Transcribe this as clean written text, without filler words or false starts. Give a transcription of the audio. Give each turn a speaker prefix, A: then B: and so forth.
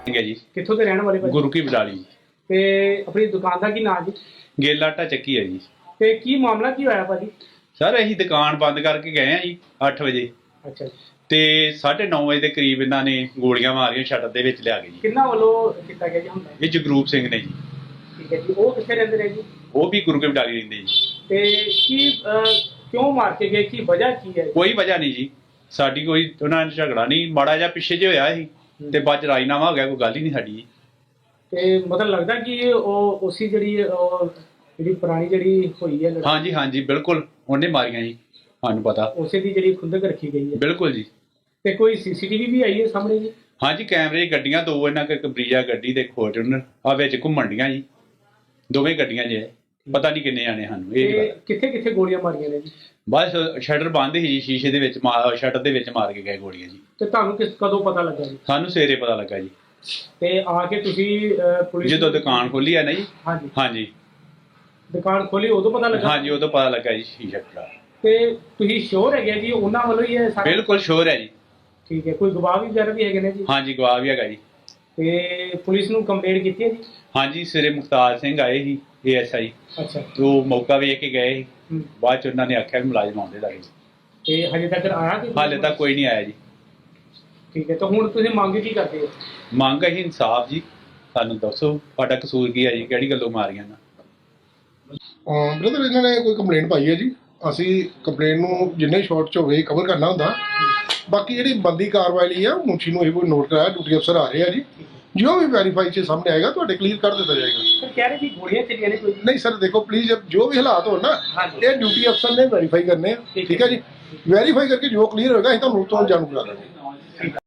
A: है जी।
B: कित्थों के रहने वाले भाजी?
A: गुरु की बडाली।
B: ते अपनी दुकान का की नाम जी?
A: गेला आटा ਚੱਕੀ है जी।
B: ते की मामला की होया भाजी?
A: सर ਅਸੀਂ ਦੁਕਾਨ ਬੰਦ ਕਰਕੇ ਗਏ ਆ ਜੀ 8 ਵਜੇ
B: अच्छा जी।
A: ਤੇ 9:30 ਵਜੇ ਦੇ ਕਰੀਬ ਇਹਨਾਂ ਨੇ ਗੋਲੀਆਂ ਮਾਰੀਆਂ ਸ਼ਟਰ ਦੇ ਵਿੱਚ ਲਿਆ ਕੇ ਜੀ।
B: किन्ना वालों किया गया जी हमला?
A: ਇਹ ਜਗਰੂਪ ਸਿੰਘ ਨੇ ਜੀ।
B: ठीक है जी। वो कित्थे रहंदे ने जी?
A: ਉਹ ਵੀ ਗੁਰੂ ਕੀ ਬਡਾਲੀ ਰਹਿੰਦੇ ਜੀ।
B: ते की क्यों मार के गए, की वजह की है?
A: ਕੋਈ ਵਜ੍ਹਾ ਨਹੀਂ ਜੀ, ਸਾਡੀ ਕੋਈ ਉਹਨਾਂ ਨਾਲ ਝਗੜਾ ਨਹੀਂ, ਮਾੜਾ ਜਿਹਾ ਪਿੱਛੇ ਜੇ ਹੋਇਆ ਸੀ ਤੇ ਬਾਅਦ ਰਾਜੀਨਾਮਾ ਹੋ ਗਿਆ, ਕੋਈ ਗੱਲ ਹੀ ਨਹੀਂ ਸਾਡੀ ਜੀ।
B: ਤੇ ਮਤਲਬ ਲੱਗਦਾ ਕਿ ਉਹ ਉਸੀ ਜਿਹੜੀ ਪੁਰਾਣੀ ਜਿਹੜੀ ਹੋਈ ਹੈ ਲੜਾਈ,
A: ਹਾਂਜੀ ਹਾਂਜੀ ਬਿਲਕੁਲ ਉਹਨੇ ਮਾਰੀਆਂ ਜੀ, ਸਾਨੂੰ ਪਤਾ
B: ਉਸੇ ਦੀ ਜਿਹੜੀ ਖੁੰਦਕ ਰੱਖੀ ਗਈ ਹੈ।
A: ਬਿਲਕੁਲ ਜੀ।
B: ਤੇ ਕੋਈ ਸੀਸੀਟੀਵੀ ਵੀ ਆਈ ਹੈ ਸਾਹਮਣੇ ਜੀ?
A: ਹਾਂਜੀ ਕੈਮਰੇ ਗੱਡੀਆਂ ਦੋ ਇਹਨਾਂ ਕੋਲ, ਇੱਕ ਬਰੀਜਾ ਗੱਡੀ ਤੇ ਫੋਰਚੂਨਰ ਆ ਵਿੱਚ ਘੁੰਮਣ ਡੀਆਂ ਜੀ, ਦੋਵੇਂ ਗੱਡੀਆਂ ਜੇ ਪਤਾ ਨਹੀਂ ਕਿੰਨੇ ਆਣੇ ਸਾਨੂੰ ਇਹ ਨਹੀਂ ਪਤਾ।
B: ਕਿੱਥੇ ਕਿੱਥੇ ਗੋਲੀਆਂ ਮਾਰੀਆਂ ਨੇ ਜੀ?
A: ਬਸ ਸ਼ਟਰ ਬੰਦ ਸੀ ਜੀ, ਸ਼ੀਸ਼ੇ ਦੇ ਵਿੱਚ ਸ਼ਟਰ ਦੇ ਵਿੱਚ ਮਾਰ ਕੇ ਗਏ ਗੋਲੀਆਂ ਜੀ।
B: ਤੇ ਤੁਹਾਨੂੰ ਕਦੋਂ ਪਤਾ ਲੱਗਾ ਜੀ?
A: ਸਾਨੂੰ ਸਵੇਰੇ ਪਤਾ ਲੱਗਾ ਜੀ,
B: ਤੇ ਆ ਕੇ ਤੁਸੀਂ ਪੁਲਿਸ
A: ਜਦੋਂ ਦੁਕਾਨ ਖੋਲੀ ਹੈ ਨਾ ਜੀ।
B: ਹਾਂਜੀ
A: ਹਾਂਜੀ
B: ਦੁਕਾਨ ਖੋਲੀ ਉਦੋਂ ਪਤਾ ਲੱਗਾ?
A: ਹਾਂਜੀ ਉਦੋਂ ਪਤਾ ਲੱਗਾ ਜੀ ਸ਼ੀਸ਼ਾ ਟੁੱਟਾ।
B: ਤੇ ਤੁਸੀਂ ਸ਼ੋਰ ਹੈਗੇ ਜੀ ਉਹਨਾਂ ਵੱਲੋਂ ਹੀ ਹੈ ਸਾਰਾ?
A: ਬਿਲਕੁਲ ਸ਼ੋਰ ਹੈ ਜੀ।
B: ਠੀਕ ਹੈ। ਕੋਈ ਗਵਾਹ ਵੀ ਵਗੈਰਾ ਵੀ ਹੈਗੇ ਨੇ ਜੀ?
A: ਹਾਂਜੀ ਗਵਾਹ ਵੀ ਹੈਗਾ ਜੀ।
B: ਤੇ ਪੁਲਿਸ ਨੂੰ ਕੰਪਲੇਂਟ ਕੀਤੀ ਹੈ ਜੀ?
A: ਹਾਂਜੀ ਸਵੇਰੇ ਮੁਖਤਾਰ ਸਿੰਘ ਆਏ ਸੀ ASI,
B: ਅੱਛਾ।
A: ਉਹ ਮੌਕਾ ਵੇਖ ਕੇ ਗਏ ਸੀ,
B: ਹੂੰ।
A: ਬਾਅਦ ਚ ਉਹਨਾਂ ਨੇ ਆਖਿਆ ਵੀ ਮੁਲਾਜ਼ਮ ਆਉਂਦੇ ਲੱਗੇ।
B: ਤੇ ਹਜੇ ਤੱਕ ਆਇਆ ਕਿ?
A: ਹਾਲੇ ਤੱਕ ਕੋਈ ਨਹੀਂ ਆਇਆ ਜੀ।
B: ਠੀਕ ਹੈ। ਤਾਂ ਹੁਣ ਤੁਸੀਂ ਮੰਗ ਕੀ ਕਰਦੇ ਹੋ?
A: ਮੰਗ ਹੈ ਇਨਸਾਫ ਜੀ, ਸਾਨੂੰ ਦੱਸੋ ਤੁਹਾਡਾ ਕਸੂਰ ਕੀ ਹੈ ਜੀ, ਕਿਹੜੀ ਗੱਲੋਂ ਮਾਰੀਆਂ ਨਾ।
C: ਬ੍ਰਦਰ ਇਹਨਾਂ ਨੇ ਕੋਈ ਕੰਪਲੇਂਟ ਪਾਈ ਹੈ ਜੀ, ਅਸੀਂ ਕੰਪਲੇਂਟ ਨੂੰ ਜਿੰਨੇ ਸ਼ਾਰਟ ਚ ਹੋਵੇ ਕਵਰ ਕਰਨਾ ਹੁੰਦਾ। ਬਾਕੀ ਜਿਹੜੀ ਬੰਦੀ ਕਾਰਵਾਈ ਲਈ ਆ ਮੁਨਸ਼ੀ ਨੂੰ ਇਹ ਕੋਈ ਨੋਟ ਕਰਾਇਆ, ਡਿਊਟੀ ਅਫਸਰ ਆ ਰਹੇ ਆ ਜੀ, ਜੋ ਵੀ ਵੈਰੀਫਾਈ ਚ ਸਾਹਮਣੇ ਆਏਗਾ ਤੁਹਾਡੇ ਕਲੀਅਰ ਕਰ ਦਿੱਤਾ ਜਾਏਗਾ।
B: ਸਰ ਕਹਿ ਰਹੇ ਕਿ ਗੋਲੀਆਂ ਚੱਲੀਆਂ ਨੇ ਕੋਈ?
C: ਨਹੀਂ ਸਰ ਦੇਖੋ ਪਲੀਜ਼, ਜੋ ਵੀ ਹਾਲਾਤ ਹੋਣ ਨਾ
B: ਹਾਂਜੀ।
C: ਇਹ ਡਿਊਟੀ ਅਫਸਰ ਨੇ ਵੈਰੀਫਾਈ ਕਰਨੇ ਆ, ਠੀਕ ਹੈ ਜੀ। ਵੈਰੀਫਾਈ ਕਰਕੇ ਜੋ ਕਲੀਅਰ ਹੋਏਗਾ ਅਸੀਂ ਤੁਹਾਨੂੰ ਤੋਂ ਜਾਣੂ ਕਰਾ ਦਾਂਗੇ।